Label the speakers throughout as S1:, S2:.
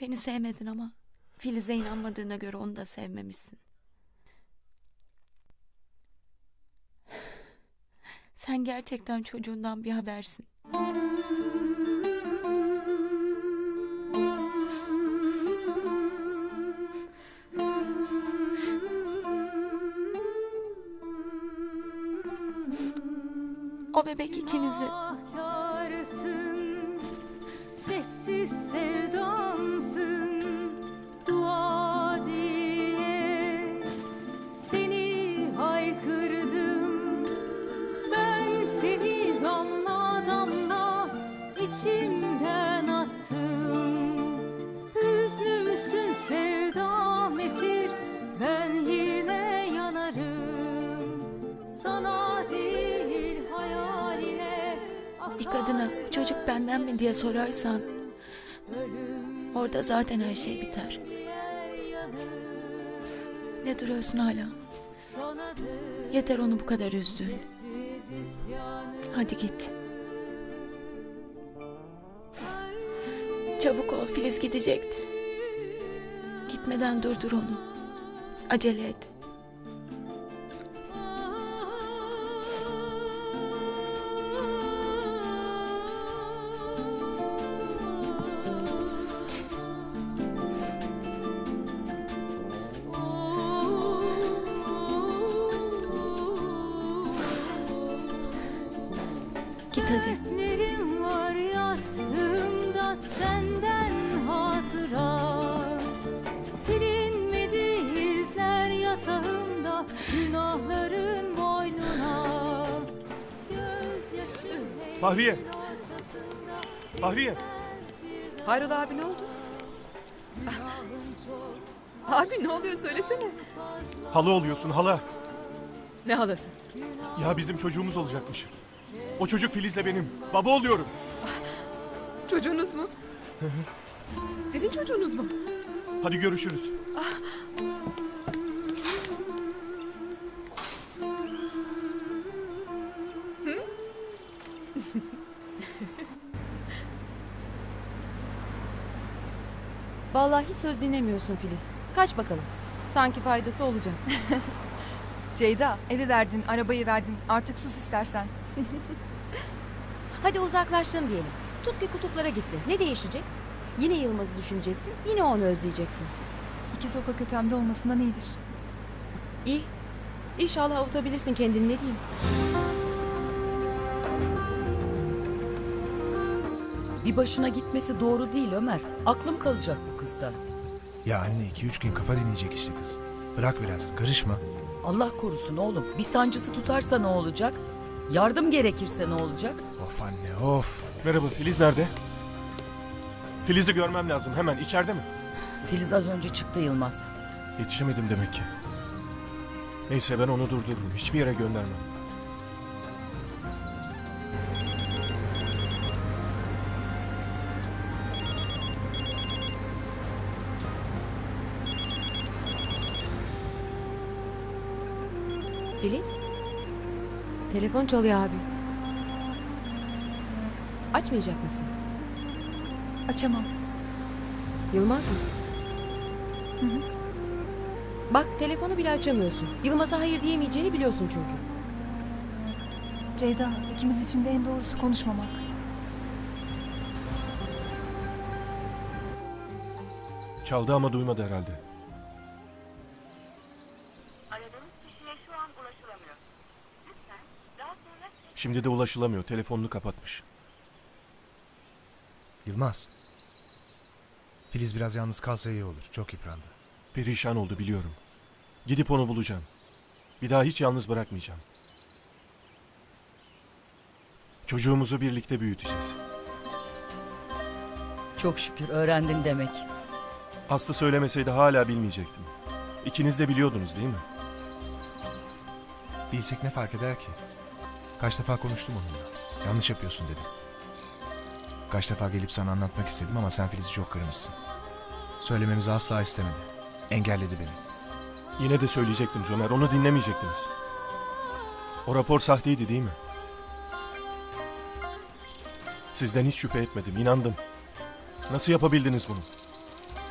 S1: Beni sevmedin ama Filiz'e inanmadığına göre onu da sevmemişsin. Sen gerçekten çocuğundan bir habersin. O bebek ikinizi...
S2: Sessiz sevdamsın, dua diye seni haykırdım. Ben seni damla damla içimden attım. Hüznümsün sevdam esir, ben yine yanarım. Sana değil hayaline.
S1: Bir kadına bu çocuk benden mi diye sorarsan orada zaten her şey biter. Ne duruyorsun hala? Yeter onu bu kadar üzdün. Hadi git. Çabuk ol, Filiz gidecekti. Gitmeden durdur onu. Acele et. Git hadi.
S2: Defterim var yastığımda senden hatıra. Silinmedi izler yatağımda günahların boynuna. Gözyaşım
S3: Fahriye! Fahriye!
S4: Hayrola abi, ne oldu? Abi ne oluyor, söylesene.
S3: Hala oluyorsun hala.
S4: Ne halası?
S3: Ya bizim çocuğumuz olacakmış. O çocuk Filiz'le benim. Baba oluyorum.
S4: Çocuğunuz mu? Sizin çocuğunuz mu?
S3: Hadi görüşürüz.
S5: Vallahi hiç söz dinlemiyorsun Filiz. Kaç bakalım. Sanki faydası olacak.
S6: Ceyda, evi verdin, arabayı verdin. Artık sus istersen.
S5: Hadi uzaklaştın diyelim. Tut ki kutuplara gitti. Ne değişecek? Yine Yılmaz'ı düşüneceksin. Yine onu özleyeceksin.
S6: İki sokak ötemde olmasından iyidir.
S5: İyi. İnşallah avutabilirsin kendini, ne diyeyim.
S7: Bir başına gitmesi doğru değil Ömer. Aklım kalacak bu kızda.
S8: Ya anne 2-3 gün kafa dinleyecek işte kız. Bırak biraz, karışma.
S7: Allah korusun oğlum. Bir sancısı tutarsa ne olacak? Yardım gerekirse ne olacak?
S8: Of anne of.
S3: Merhaba, Filiz nerede? Filiz'i görmem lazım, hemen. İçeride mi?
S7: Filiz az önce çıktı Yılmaz.
S3: Yetişemedim demek ki. Neyse, ben onu durdururum. Hiçbir yere göndermem.
S5: Filiz. Telefon çalıyor abi. Açmayacak mısın?
S6: Açamam.
S5: Yılmaz mı? Bak telefonu bile açamıyorsun. Yılmaz'a hayır diyemeyeceğini biliyorsun çünkü.
S6: Ceyda, ikimiz için de en doğrusu konuşmamak.
S3: Çaldı ama duymadı herhalde.
S9: Aradığınız kişiye şu an ulaşılamıyor. Lütfen daha sonra...
S3: Şimdi de ulaşılamıyor, telefonunu kapatmış.
S8: Yılmaz. Filiz biraz yalnız kalsa iyi olur. Çok yıprandı.
S3: Perişan oldu biliyorum. Gidip onu bulacağım. Bir daha hiç yalnız bırakmayacağım. Çocuğumuzu birlikte büyüteceğiz.
S7: Çok şükür öğrendin demek.
S3: Aslı söylemeseydi hala bilmeyecektim. İkiniz de biliyordunuz değil mi?
S8: Bilsek ne fark eder ki? Kaç defa konuştum onunla. Yanlış yapıyorsun dedim. Kaç defa gelip sana anlatmak istedim ama sen Filiz'i çok kırmışsın. Söylememizi asla istemedi. Engelledi beni.
S3: Yine de söyleyecektim Ömer, onu dinlemeyecektiniz. O rapor sahteydi değil mi? Sizden hiç şüphe etmedim, inandım. Nasıl yapabildiniz bunu?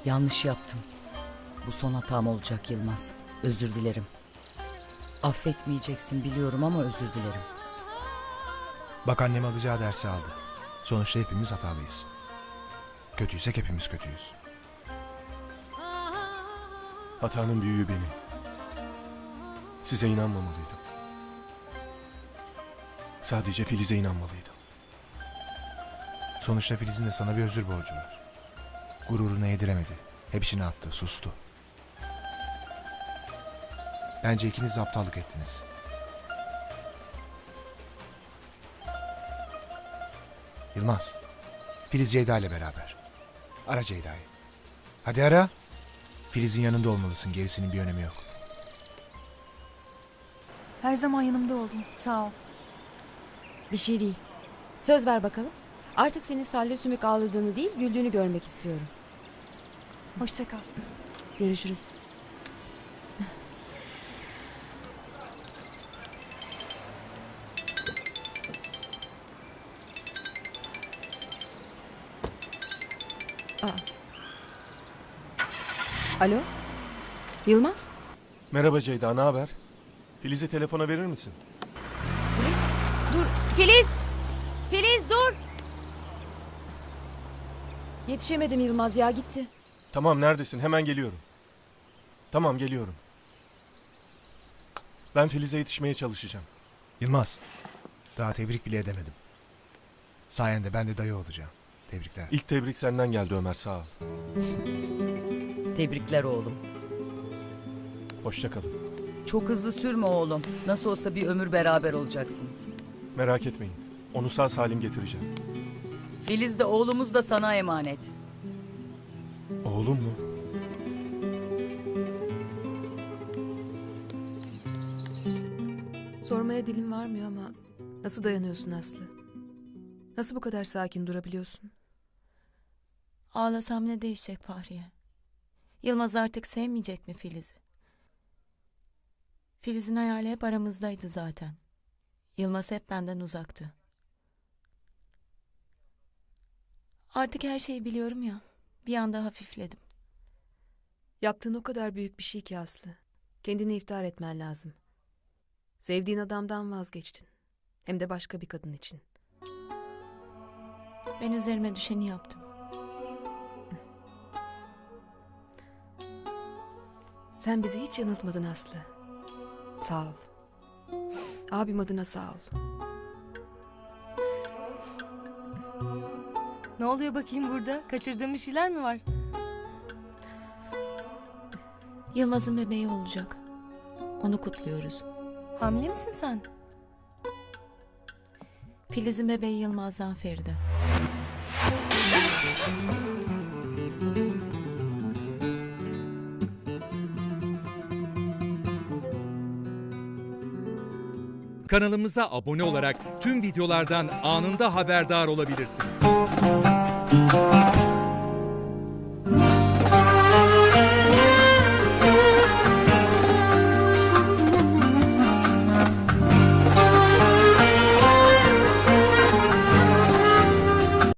S7: Yanlış yaptım. Bu son hatam olacak Yılmaz. Özür dilerim. Affetmeyeceksin biliyorum ama özür dilerim.
S8: Bak annem alacağı dersi aldı. Sonuçta hepimiz hatalıyız. Kötüysek hepimiz kötüyüz.
S3: Hatanın büyüğü benim. Size inanmamalıydım. Sadece Filiz'e inanmalıydım.
S8: Sonuçta Filiz'in de sana bir özür borcu var. Gururuna yediremedi. Hep içine attı, sustu. Bence ikiniz de aptallık ettiniz. Yılmaz, Filiz Ceyda ile beraber. Ara Ceyda'yı. Hadi ara. Filiz'in yanında olmalısın, gerisinin bir önemi yok.
S6: Her zaman yanımda oldun. Sağ ol.
S5: Bir şey değil. Söz ver bakalım. Artık senin salya sümük ağladığını değil, güldüğünü görmek istiyorum.
S6: Hoşça kal.
S5: Görüşürüz. Alo? Yılmaz?
S3: Merhaba Ceyda, ne haber? Filiz'i telefona verir misin?
S5: Filiz? Dur. Filiz! Filiz dur! Yetişemedim Yılmaz ya, gitti.
S3: Tamam, neredesin? Hemen geliyorum. Tamam, geliyorum. Ben Filiz'e yetişmeye çalışacağım.
S8: Yılmaz, daha tebrik bile edemedim. Sayende ben de dayı olacağım. Tebrikler.
S3: İlk tebrik senden geldi Ömer, sağ ol.
S7: Tebrikler oğlum.
S3: Hoşça kalın.
S7: Çok hızlı sürme oğlum. Nasıl olsa bir ömür beraber olacaksınız.
S3: Merak etmeyin. Onu sağ salim getireceğim.
S7: Filiz de oğlumuz da sana emanet.
S3: Oğlum mu?
S4: Sormaya dilim varmıyor ama nasıl dayanıyorsun Aslı? Nasıl bu kadar sakin durabiliyorsun?
S1: Ağlasam ne değişecek Fahriye? Yılmaz artık sevmeyecek mi Filiz'i? Filiz'in hayali hep aramızdaydı zaten. Yılmaz hep benden uzaktı. Artık her şeyi biliyorum ya. Bir anda hafifledim.
S4: Yaptığın o kadar büyük bir şey ki Aslı. Kendini iftihar etmen lazım. Sevdiğin adamdan vazgeçtin. Hem de başka bir kadın için.
S1: Ben üzerime düşeni yaptım.
S4: Sen bizi hiç yanıltmadın Aslı. Sağ ol. Abim adına sağ ol.
S2: Ne oluyor bakayım burada? Kaçırdığım bir şeyler mi var?
S1: Yılmaz'ın bebeği olacak. Onu kutluyoruz.
S2: Hamile misin sen?
S1: Filiz'in bebeği Yılmaz'dan Feride.
S10: Kanalımıza abone olarak tüm videolardan anında haberdar olabilirsiniz.